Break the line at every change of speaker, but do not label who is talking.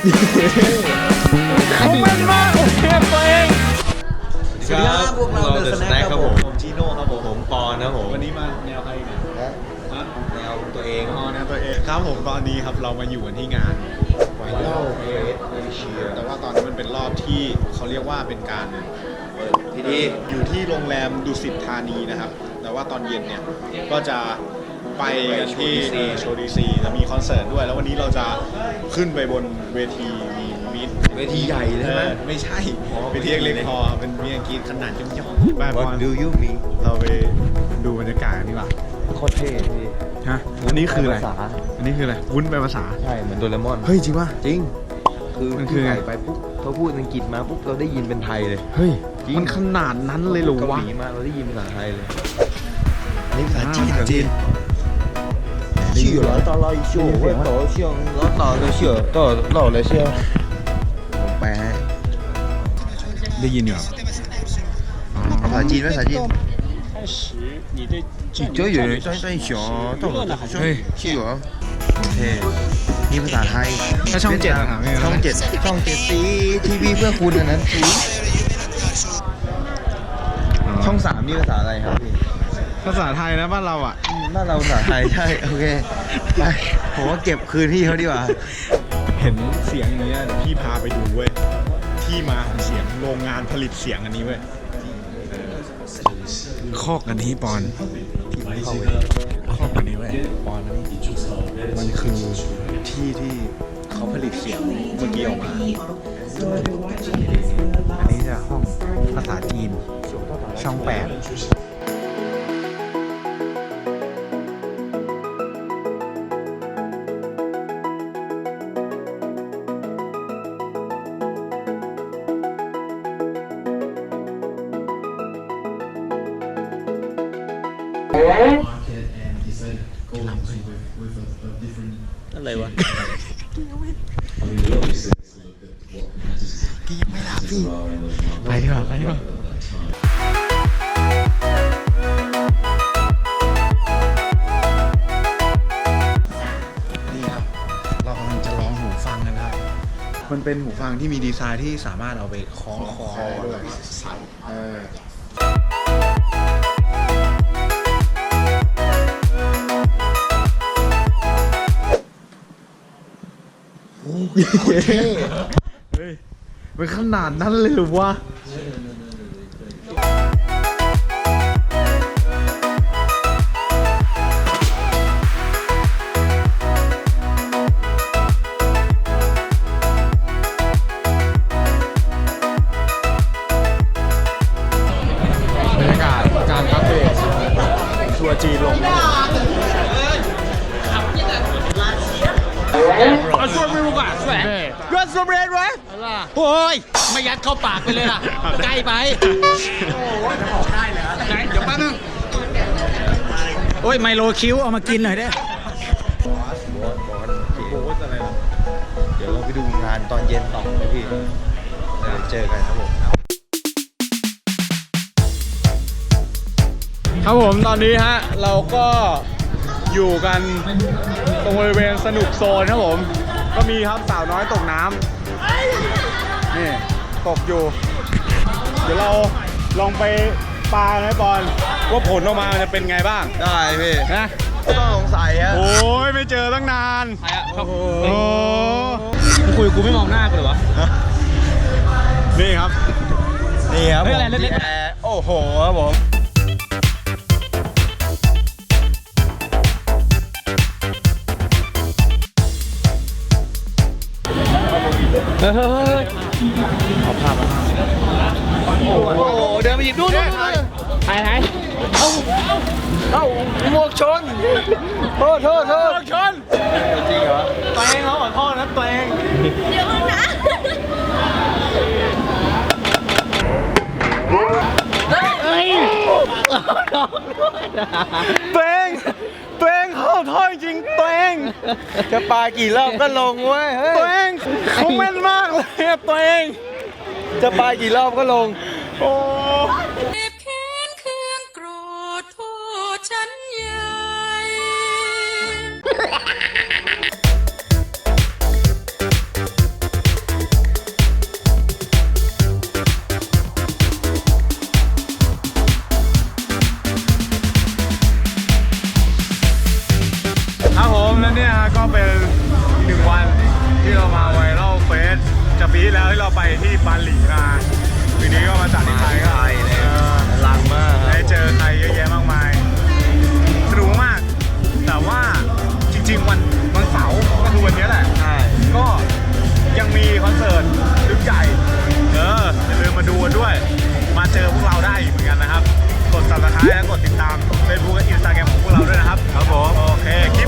เขาแม่นมากเลยตัวเอง
สวัสดีครับพวกเราเดอะสแน็คครับผม
จีโน่ครับ
ผมปอนนะผม
วันนี้มาแนวใครเนี่ย
แนวตัวเอง
แนวตัวเองครับผมตอนนี้ครับเรามาอยู่กันที่งาน
ไวรัลเอเชีย
แต่ว่าตอนนี้มันเป็นรอบที่เขาเรียกว่าเป็นการ
ที่นี่
อยู่ที่โรงแรมดุสิตธานีนะครับแต่ว่าตอนเย็นเนี่ยก็จะไปกันที่โชว์ดีซีจะมีคอนเสิร์ตด้วยแล้ววันนี้เราจะขึ้นไปบนเวทีมีมิด
เวทีใหญ่ใช่ไหม
ไม่ใช่เวทีเล็กๆพอเป็นมีอังกฤษขนาดย่อมๆ
What do you mean
เราไปดูบรรยากาศกันดีกว่า
โคตรเท่พี่
ฮะอันนี้คืออะไรอันนี้คืออะไรวุ้นแปลภาษา
ใช่เหมือนโดเรมอน
เฮ้ยจริงป่ะ
จริงคือมันคือไงไปปุ๊บเขาพูดอังกฤษมาปุ๊บเราได้ยินเป็นไทยเลย
เฮ้ยมันขนาดนั้นเลยหรอวะ
เกาหลีมาเราได้ยินภาษาไทยเลยอันนี้ภาษาจีนจีน去了到了一宿我到像老到了些到老了些ผมแปล
ได้ยินอยู่
ภาษาจีนภาษาจีน
开始你对
就有人在想到了好像是有โอเคนี่ภาษาไทย
ถ้าช่อง7นะครับ
ช่อง7สีทีวีเพื่อคุณอันนั้นสีช่อง3นี่ภาษาอะไรครับพี่
ภาษาไทยนะบ้านเราอ่ะ
บ้านเราภาษาไทยใช่โอเคไปผมว่าเก็บคืนพี่เขาดีกว่า
เห็นเสียงนี้เดี๋ยวพี่พาไปดูเว้ยที่มาของเสียงโรงงานผลิตเสียงอันนี้เว้ยคอกอันนี้ปอนคอกอันนี้เว้ยปอนมันคือที่เขาผลิตเสียงเมื่อกี้ออกมาอันนี้จะห้องภาษาจีนช่อง8
อะไรวะ
กี่ยังไม่รับพี่ไปดีกว่านี่ครับเรากำลังจะลองหูฟังกันครับมันเป็นหูฟังที่มีดีไซน์ที่สามารถเอาไปคล้องคอด้วยใส่เฮ้ยเป็นขนาดนั้นเลยหรือวะบรรยากาศการอัปเดตทัวร์จีนลง
เอาช่วยไม่รู้ก่ะช่วยเกินสมเร็จไว้โอ้ยไม่ยัดเข้าปากไปเลยล่ะใกล้ไปได้เหรอไหนเดี๋ยวแป๊บนึงโอ้ยไมโลคิ้วเอามากินหน่อยได้
เดี๋ยวเราไปดูงานตอนเย็นต่อนะพี่เจอกันครับผม
ครับผมตอนนี้ฮะเราก็อยู่กันตรงบริเวณสนุกโซนครับผมก็มีครับสาวน้อยตกน้ำนี่ตกอยู่เดี๋ยวเราลองไปปลาไหมบอลว่าผลออกมาจะเป็นไงบ้าง
ได้พี่
นะ
ต้องสงสัยฮะ
โอ้ยไม่เจอตั้งนาน
โอ้โหคุยกูไม่มองหน้ากูเลยวะ
นี่ครับ
โอ้โหครับผม
เอาภาพมา
โอ้โหเดินไปหยิบนู่น
ไหน
เอ้าหมวกชนโทษ
ชน
จริงเหรอ
ตัวเองเขาขอโทษนะตัวเอง
เดี๋ยวนะ
เฮ้ย
ตัวเองขอโทษจริงตัวเอง
จะปากี่รอบก็ลงเว้ย
ตัวเองเขาแม่นมากเลยตัวเอง
จะปากี่รอบก็ลง
โอ้
เจ็บแค้นเคืองโกรธโทษฉันใหญ่
แล้วเนี่ยฮะก็เป็นหนึ่งวันที่เรามาไวรัลเฟสจากปีที่แล้วที่เราไปที่บาหลีมาปีนี้ก็มาจัดที่ไทยก็
ลังมาก
ได้เจอใครเยอะแยะมากมายสนุกมากแต่ว่าจริงๆวันเสาร์ก็คือวันนี้แหละ
ใช่
ก็ยังมีคอนเสิร์ตลึกใหญ่อย่าลืมมาดูกันด้วย มาเจอพวกเราได้เหมือนกันนะครับกด subscribe และกดติดตาม Facebook และ Instagram ของพวกเราด้วยนะครับ
ครับผม
โอเคคลิป